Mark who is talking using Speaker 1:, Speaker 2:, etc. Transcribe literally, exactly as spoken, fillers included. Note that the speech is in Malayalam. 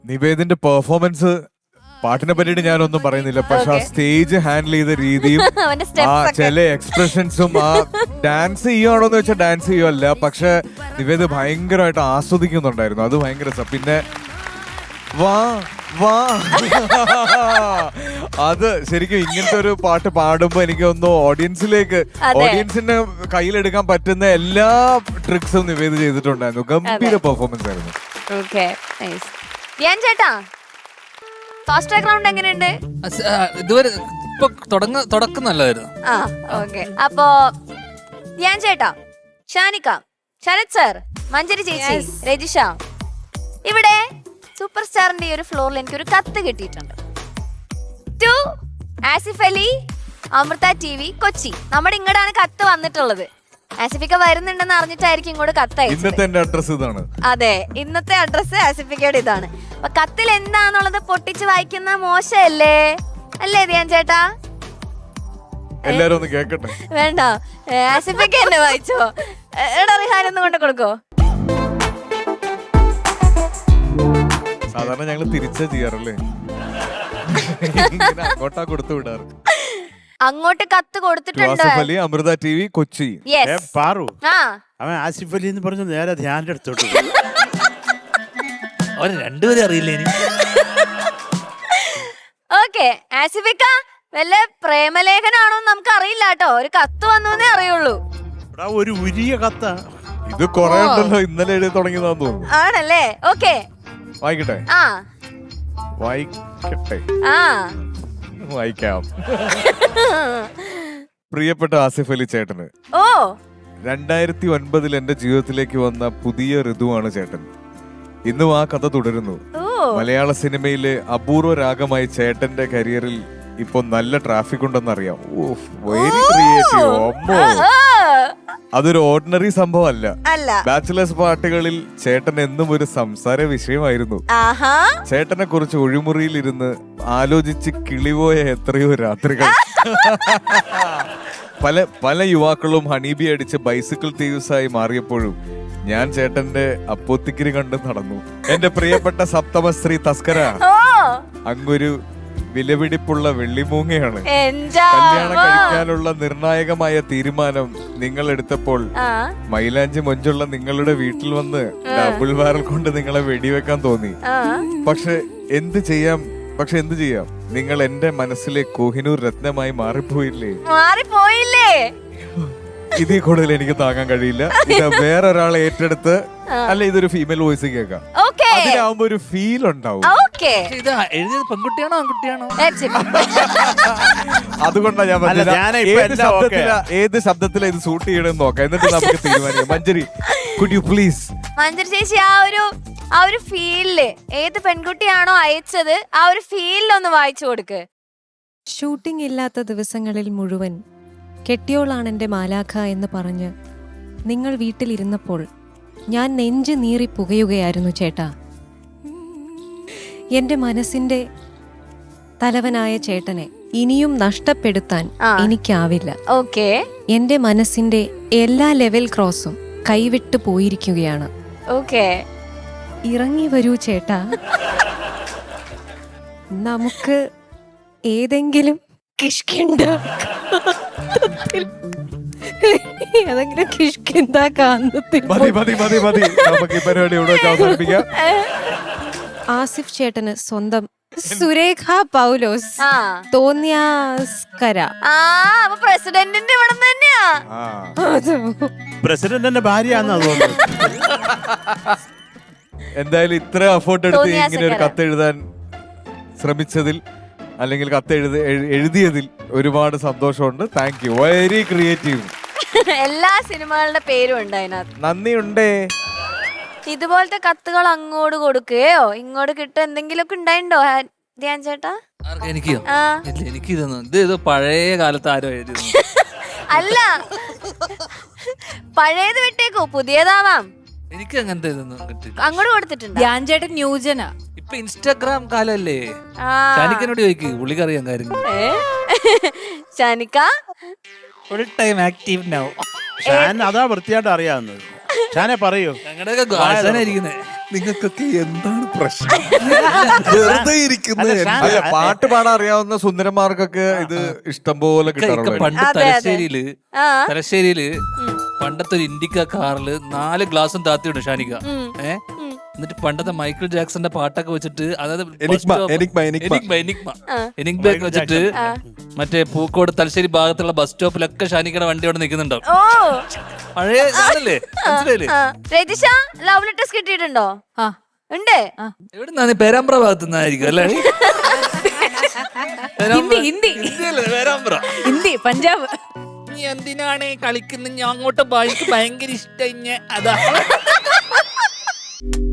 Speaker 1: നിവേദിന്റെ പെർഫോമൻസ് പാട്ടിനെ പറ്റിയിട്ട് ഞാനൊന്നും പറയുന്നില്ല, പക്ഷെ ആ സ്റ്റേജ് ഹാൻഡിൽ ചെയ്ത രീതിയും ആ ചില എക്സ്പ്രഷൻസും ആ ഡാൻസ് ചെയ്യുവാണോന്ന് വെച്ചാൽ ഡാൻസ് ചെയ്യുവല്ല, പക്ഷെ നിവേദ് ഭയങ്കരമായിട്ട് ആസ്വദിക്കുന്നുണ്ടായിരുന്നു. അത് ഭയങ്കര സ- പിന്നെ വാ വാ അത് ശരിക്കും ഇങ്ങനത്തെ ഒരു പാട്ട് പാടുമ്പോ എനിക്ക് തോന്നുന്നു ഓഡിയൻസിലേക്ക് ഓഡിയൻസിന് കയ്യിലെടുക്കാൻ പറ്റുന്ന എല്ലാ ട്രിക്സും നിവേദ് ചെയ്തിട്ടുണ്ടായിരുന്നു. ഗംഭീര പെർഫോമൻസ് ആയിരുന്നു.
Speaker 2: ചേട്ടാ ഫാസ്റ്റ് ബാക്ക്ഗ്രൗണ്ട് എങ്ങനെയുണ്ട്?
Speaker 3: ഇതുവരെ ഇപ്പൊ തുടക്കം നല്ലതായിരുന്നു.
Speaker 2: ആ ഓക്കെ. അപ്പോ ധ്യാൻ ചേട്ടാ, ഷാനിക്ക, ശരത് സർ, മഞ്ജരി ചേച്ചി, രജിഷ, ഇവിടെ സൂപ്പർ സ്റ്റാറിന്റെ ഈ ഒരു ഫ്ലോറിൽ എനിക്ക് ഒരു കത്ത് കിട്ടിയിട്ടുണ്ട്. To Asif Ali, Amrita T V, Kochi. നമ്മുടെ ഇങ്ങോട്ടാണ് കത്ത് വന്നിട്ടുള്ളത്. ആസിഫിക്ക വരുന്നുണ്ടെന്ന് അറിഞ്ഞിട്ടായിരിക്കും ഇങ്ങോട്ട് കത്ത്
Speaker 1: അയച്ചത്.
Speaker 2: അതെ, ഇന്നത്തെ അഡ്രസ് ആസിഫിക്കയുടെ ഇതാണ്. അപ്പൊ കത്തിൽ എന്താന്നുള്ളത് പൊട്ടിച്ച് വായിക്കുന്ന മോശമല്ലേ അല്ലേ ധ്യാൻ ചേട്ടാ?
Speaker 1: എല്ലാരും ഒന്ന് കേക്കട്ടെ.
Speaker 2: വേണ്ട, ആസിഫിക്ക എന്നെ വായിച്ചോ. എടാ റിഹാൻ ഒന്ന് കൊണ്ട് കൊടുക്കോ.
Speaker 1: സാധാരണ ഞങ്ങള് തിരിച്ചാ ചെയ്യാറല്ലേ, അങ്ങോട്ടാ കൊടുത്തു വിടാറ്.
Speaker 2: അങ്ങോട്ട് കത്ത് കൊടുത്തിട്ടുണ്ട്.
Speaker 1: Asif Ali, Amrita T V, Kochi.
Speaker 4: പാറു
Speaker 2: ആ
Speaker 4: അവൻ ആസിഫ് അലി എന്ന് പറഞ്ഞു നേരെ ധ്യാന്റെ അടുത്തോട്ട്
Speaker 3: അവരെ രണ്ടുപേരും അറിയില്ലേ ഇനി?
Speaker 2: ഓക്കെ ആസിഫിക്ക, വല്ല പ്രേമലേഖനാണോ നമുക്ക് അറിയില്ല കേട്ടോ. ഒരു കത്ത് വന്നേ അറിയുള്ളൂ.
Speaker 4: ഒരു ഉരിയ കത്ത.
Speaker 1: ഇത് കൊറേ ഉണ്ടല്ലോ, ഇന്നലെ എഴുതി തുടങ്ങിയതാന്ന് തോന്നുന്നു.
Speaker 2: ആണല്ലേ? ഓക്കെ
Speaker 1: വായിക്കട്ടെ.
Speaker 2: ആ
Speaker 1: വായിക്കട്ടെ
Speaker 2: ആ
Speaker 1: വായിക്കാം. പ്രിയപ്പെട്ട ആസിഫ് അലി ചേട്ടന്,
Speaker 2: ഓ
Speaker 1: രണ്ടായിരത്തി ഒൻപതിൽ എന്റെ ജീവിതത്തിലേക്ക് വന്ന പുതിയ ഋതുവാണ് ചേട്ടൻ. ഇന്നും ആ കഥ തുടരുന്നു.
Speaker 2: ഓ
Speaker 1: മലയാള സിനിമയിലെ അപൂർവ രാഗമായി ചേട്ടന്റെ കരിയറിൽ ഇപ്പൊ നല്ല ട്രാഫിക് ഉണ്ടെന്നറിയാം. Very creative. അമ്മോ, അതൊരു ഓർഡിനറി സംഭവം അല്ല.
Speaker 2: അല്ല.
Speaker 1: ബാച്ചിലേഴ്സ് പാർട്ടികളിൽ ചേട്ടൻ എന്നും ഒരു സംസാര വിഷയമായിരുന്നു.
Speaker 2: ആഹാ.
Speaker 1: ചേട്ടനെ കുറിച്ച് ഒഴിമുറിയിൽ ഇരുന്ന് ആലോചിച്ച് കിളിപോയ എത്രയോ രാത്രികൾ. പല പല യുവാക്കളും ഹണീബി അടിച്ച് ബൈസിക്കിൾ തീവ്സായി മാറിയപ്പോഴും ഞാൻ ചേട്ടന്റെ അപ്പോത്തിക്കിരി കണ്ട് നടന്നു. എന്റെ പ്രിയപ്പെട്ട സപ്തമശ്രീ തസ്കര, അങ്ങൊരു വിലപിടിപ്പുള്ള വെള്ളിമൂങ്ങയാണ്. കല്യാണം കഴിക്കാനുള്ള നിർണായകമായ തീരുമാനം നിങ്ങൾ എടുത്തപ്പോൾ മൈലാഞ്ചി മൊഞ്ചുള്ള നിങ്ങളുടെ വീട്ടിൽ വന്ന് ഡബിൾ ബാരൽ കൊണ്ട് നിങ്ങളെ വെടിവെക്കാൻ തോന്നി. പക്ഷെ എന്ത് ചെയ്യാം പക്ഷെ എന്ത് ചെയ്യാം നിങ്ങൾ എന്റെ മനസ്സിലെ കോഹിനൂർ രത്നമായി മാറിപ്പോയില്ലേ?
Speaker 2: മാറിപ്പോയില്ലേ?
Speaker 1: ഇതിൽ കൂടുതൽ എനിക്ക് താങ്ങാൻ കഴിയില്ല. ഇത് വേറൊരാളെ ഏറ്റെടുത്ത്, അല്ല ഇതൊരു ഫീമെയിൽ വോയിസ് കേൾക്കാം. അതിലാവുമ്പോ ഒരു ഫീൽ ഉണ്ടാവും.
Speaker 3: ഇത് എഴുതിയത് പെൺകുട്ടിയാണോ ആൺകുട്ടിയാണോ?
Speaker 1: അതുകൊണ്ടാണ് ഞാൻ പറഞ്ഞത് ഏത് ശബ്ദത്തിലാ ഏത് ശബ്ദത്തിലാ ഇത് ഷൂട്ട് ചെയ്യണമെന്ന് നോക്കാം, എന്നിട്ട് നമുക്ക് തീരുമാനിക്കാം. Manjari, could you please?
Speaker 2: Manjari ചേച്ചി, ആ ഒരു ആ ഒരു ഫീലില് ഏത് പെൺകുട്ടിയാണോ അയച്ചത് ആ ഒരു ഫീലിലൊന്ന് വായിച്ചു കൊടുക്ക്.
Speaker 5: ഷൂട്ടിംഗ് ഇല്ലാത്ത ദിവസങ്ങളിൽ മുഴുവൻ കെട്ടിയോളാണെന്റെ മാലാഖ എന്ന് പറഞ്ഞ് നിങ്ങൾ വീട്ടിലിരുന്നപ്പോൾ ഞാൻ നെഞ്ച് നീറി പുകയുകയായിരുന്നു ചേട്ടാ. എന്റെ മനസ്സിന്റെ തലവനായ ചേട്ടനെ ഇനിയും നഷ്ടപ്പെടുത്താൻ എനിക്കാവില്ല.
Speaker 2: ഓക്കേ.
Speaker 5: എന്റെ മനസ്സിന്റെ എല്ലാ ലെവൽ ക്രോസും കൈവിട്ടു പോയിരിക്കുകയാണ്.
Speaker 2: ഓക്കേ.
Speaker 5: ഇറങ്ങി വരൂ ചേട്ടാ, നമുക്ക് ഏതെങ്കിലും കിഷ്കിണ്ട ഏതെങ്കിലും കിഷ്കിന്ത കാന്തത്തിൽ ആസിഫ് ചേട്ടന് സ്വന്തം സുരേഖ പൗലോസ് തോന്നിയാസ്കര.
Speaker 2: പ്രസിഡന്റിന്റെ ഇവിടെ തന്നെയാ.
Speaker 4: പ്രസിഡന്റിന്റെ ഭാര്യയാണെന്ന് തോന്നുന്നു.
Speaker 1: എന്തായാലും ഇത്ര എഫേർട്ട് എടുത്ത് ഇങ്ങനെ ഒരു കത്ത് എഴുതാൻ ശ്രമിച്ചതിൽ അല്ലെങ്കിൽ കത്ത് എഴുതി എഴുതിയതിൽ ഒരുപാട് സന്തോഷമുണ്ട്. Thank you, very creative.
Speaker 2: എല്ലാ സിനിമകളുടെ പേരും ഉണ്ട് അതിനകത്ത്.
Speaker 1: നന്ദിയുണ്ടേ.
Speaker 2: ഇതുപോലത്തെ കത്തുകൾ അങ്ങോട്ട് കൊടുക്കുകയോ ഇങ്ങോട്ട് കിട്ടുക എന്തെങ്കിലുമൊക്കെ ഉണ്ടായിണ്ടോ ധ്യാൻ ചേട്ടാ?
Speaker 3: എനിക്കോ? എനിക്ക് ഇതൊന്നും ഇത് ഇത് പഴയ കാലത്ത് ആരോ എഴുതി.
Speaker 2: അല്ല, പഴയത് വിട്ടേക്കോ, പുതിയതാവാം.
Speaker 3: എനിക്ക് അങ്ങനത്തെ ഇതൊന്നും കിട്ടില്ല.
Speaker 2: അങ്ങോട്ട് കൊടുത്തിട്ടുണ്ട്.
Speaker 5: ധ്യാൻ ചേട്ടൻ ന്യൂജനാ.
Speaker 3: ഇപ്പൊ ഇൻസ്റ്റാഗ്രാം കാലല്ലേ. ഷാനിക്കനോട് ചോദിക്ക്, പുള്ളിക്കറിയാൻ കാര്യം.
Speaker 2: ഷാനിക്ക
Speaker 3: ഫുൾ ടൈം ആക്റ്റീവ് നൗ.
Speaker 4: അതാ വൃത്തിയായിട്ട് അറിയാവുന്നത്. ഷാനെ പറയൂ.
Speaker 3: ഞങ്ങളുടെയൊക്കെ ഗാർഡനായിരിക്കുന്നേ.
Speaker 1: നിങ്ങൾക്കൊക്കെ എന്താണ് പ്രശ്നം? വെറുതെ ഇരിക്കുന്നത്.
Speaker 4: അല്ല, ഷാൻ-
Speaker 1: അല്ല, പാട്ട് പാടാൻ അറിയാവുന്ന സുന്ദരന്മാർക്കൊക്കെ ഇത് ഇഷ്ടം പോലെ
Speaker 3: ഇക്ക- ഇക്ക
Speaker 1: കിട്ടാറുള്ളത്.
Speaker 3: പണ്ട്
Speaker 2: അതെ, അതെ.
Speaker 3: തലശ്ശേരിയില്
Speaker 2: ആ
Speaker 3: തലശ്ശേരിയില് പണ്ടത്തെ ഒരു ഇൻഡിക്ക കാറില് നാല് ഗ്ലാസും താത്തിയുണ്ട് ഷാനിക്ക.
Speaker 2: ഉം.
Speaker 3: ഏ എന്നിട്ട് പണ്ടത്തെ മൈക്കിൾ ജാക്സന്റെ പാട്ടൊക്കെ വെച്ചിട്ട് അതായത് bus
Speaker 1: Enigma,
Speaker 3: stop-
Speaker 1: Enigma, Enigma.
Speaker 3: Enigma, Enigma.
Speaker 2: ആ.
Speaker 3: എനിഗ്മ ഒക്കെ വെച്ചിട്ട് മറ്റേ പൂക്കോട് തലശ്ശേരി ഭാഗത്തുള്ള ബസ് സ്റ്റോപ്പിലൊക്കെ ഷാനിക്കയുടെ വണ്ടി അവിടെ നിൽക്കുന്നുണ്ടാവും.
Speaker 2: ഓ
Speaker 3: പഴയ ഇതാണല്ലേ, മനസ്സിലായില്ലേ?
Speaker 2: ആ. രജിഷ ലവ് ലെറ്റേഴ്സ് കിട്ടിയിട്ടുണ്ടോ?
Speaker 5: ആ
Speaker 2: ഉണ്ട്.
Speaker 3: എവിടുന്നാ നീ പേരാമ്പ്ര ഭാഗത്തു നിന്നായിരിക്കും അല്ലേ?
Speaker 5: ഹിന്ദി ഹിന്ദി
Speaker 3: ഇന്ത്യയല്ലേ, പേരാമ്പ്ര.
Speaker 5: ഹിന്ദി പഞ്ചാബ്.
Speaker 3: നീ എന്തിനാണ് കളിക്കുന്നത്? ഞാൻ അങ്ങോട്ട് എനിക്ക് ഭയങ്കര ഇഷ്ടം. അതാ